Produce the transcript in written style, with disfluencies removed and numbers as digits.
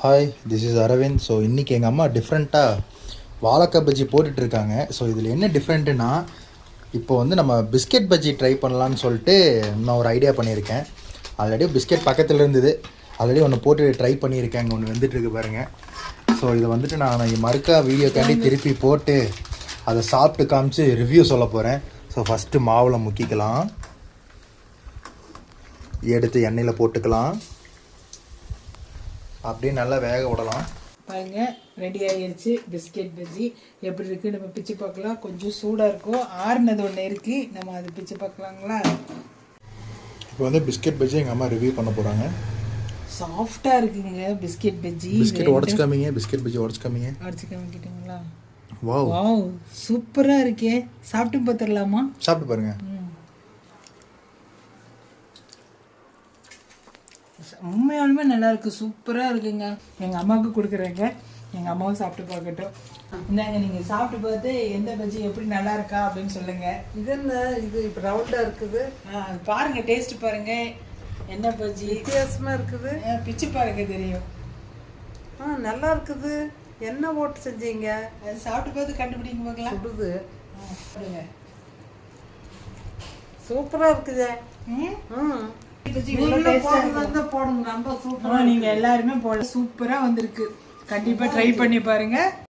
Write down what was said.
Hi, this is Aravind. So இன்றைக்கி எங்கள் அம்மா டிஃப்ரெண்ட்டாக வாழைக்காய் பஜ்ஜி போட்டுட்ருக்காங்க. ஸோ இதில் என்ன டிஃப்ரெண்ட்டுன்னா, இப்போ வந்து நம்ம பிஸ்கெட் பஜ்ஜி ட்ரை பண்ணலான்னு சொல்லிட்டு நான் ஒரு ஐடியா பண்ணியிருக்கேன். ஆல்ரெடி பிஸ்கெட் பக்கத்தில் இருந்தது, ஆல்ரெடி ஒன்று போட்டு ட்ரை பண்ணியிருக்கேன். அங்கே ஒன்று வந்துட்டுருக்கு பாருங்கள். ஸோ இதை வந்துட்டு நான் மறுக்கா வீடியோக்காண்டி திருப்பி போட்டு அதை சாப்பிட்டு காமிச்சு ரிவ்யூ சொல்ல போகிறேன். ஸோ ஃபஸ்ட்டு மாவில் முக்கிக்கலாம், எடுத்து எண்ணெயில் போட்டுக்கலாம், அப்படியே நல்லா வேக விடலாம். பாருங்க, ரெடி ஆகிடுச்சு பிஸ்கெட் பஜ்ஜி. எப்படி இருக்குது நம்ம பிச்சு பார்க்கலாம். கொஞ்சம் சூடாக இருக்கும், ஆறுனது ஒன்று இருக்குது, நம்ம அது பிச்சு பார்க்கலாங்களா. இப்போ வந்து பிஸ்கெட் பஜ்ஜி எங்கள் அம்மா ரிவ்யூ பண்ண போகிறாங்க. சாஃப்டாக இருக்குங்க பிஸ்கெட் பஜ்ஜி. பிஸ்கெட் உடச்சு காமிங்க, பிஸ்கெட் பஜ்ஜி உடச்சு காமிங்க. உடச்சு காமிக்கிட்டீங்களா? வாவ் வாவ், சூப்பராக இருக்கே. சாப்பிட்டு பார்த்துடலாமா? சாப்பிட்டு பாருங்க. உண்மையாலுமே நல்லா இருக்கு, சூப்பரா இருக்குங்க. எங்க அம்மாவுக்கு கொடுக்குறேங்க, எங்க அம்மாவும் சாப்பிட்டு பார்க்கட்டும். இந்தாங்க, நீங்க சாப்பிட்டு பார்த்து எந்த பஜ்ஜி எப்படி நல்லா இருக்கா அப்படின்னு சொல்லுங்க. இது என்ன, இது இப்போ ரவுண்டா இருக்குது. பாருங்க, டேஸ்ட் பாருங்க, என்ன பஜ்ஜி வித்தியாசமா இருக்குது. பிச்சு பாருங்க, தெரியும். நல்லா இருக்குது. என்ன போட்டு செஞ்சீங்க? அது சாப்பிட்டு பார்த்து கண்டுபிடிங்க பார்க்கலாம். சுடுது. பாருங்க, சூப்பரா இருக்குதே. நீங்க எல்லாருமே போல சூப்பரா வந்திருக்கு. கண்டிப்பா ட்ரை பண்ணி பாருங்க.